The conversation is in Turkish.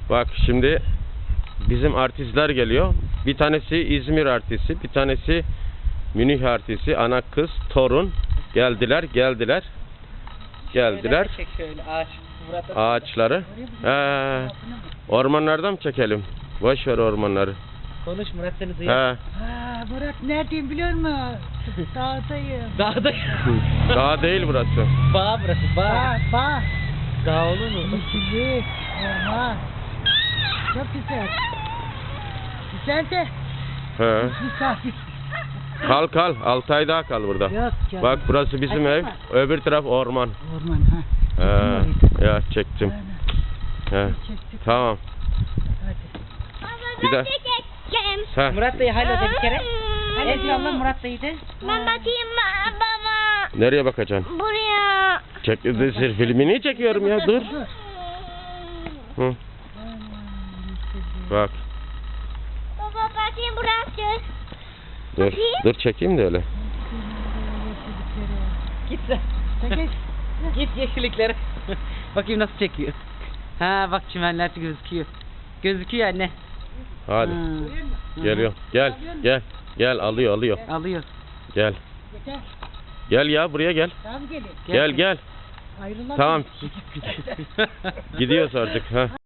Bak şimdi bizim artistler geliyor. Bir tanesi İzmir artisti, bir tanesi Münih artisti, ana kız, torun geldiler. Şöyle ağaç. Ağaçları. Ormanlardan mı çekelim? Boş ver ormanları. Konuş Murat, seni duyuyor. Murat neredeyim biliyor musun? Dağdayım. Dağda. Dağ değil burası. Bağ burası, bağ. Bağ. Dağ olur mu? Yeşillik. Orman. Çok güzel. Güzel de He. misafir. Kal 6 ay daha kal burada. Yok canım. Bak burası bizim ev. Öbür taraf orman. Orman ha. Ya çektim. He. Çektik. Tamam. Hadi. Bir daha. Ha. Murat dayı hala da bir kere. Esra'la Murat dayı de. Ben bakayım baba. Nereye bakacaksın? Buraya. Filmini çekiyorum ya, dur. Hı. Bak. Baba bakayım burası. Dur çekeyim de öyle. Git sen. Çekil. Git yeşilliklere. Bakayım nasıl çekiyor. Ha bak çimenler gözüküyor. Gözüküyor anne. Hadi. Ha. Geliyor. Gel alıyor. Alıyor. Gel. Yeter. Gel ya, buraya gel. Tamam gelin. Gel. Ayrılalım. Tamam. Gidiyoruz artık. Ha.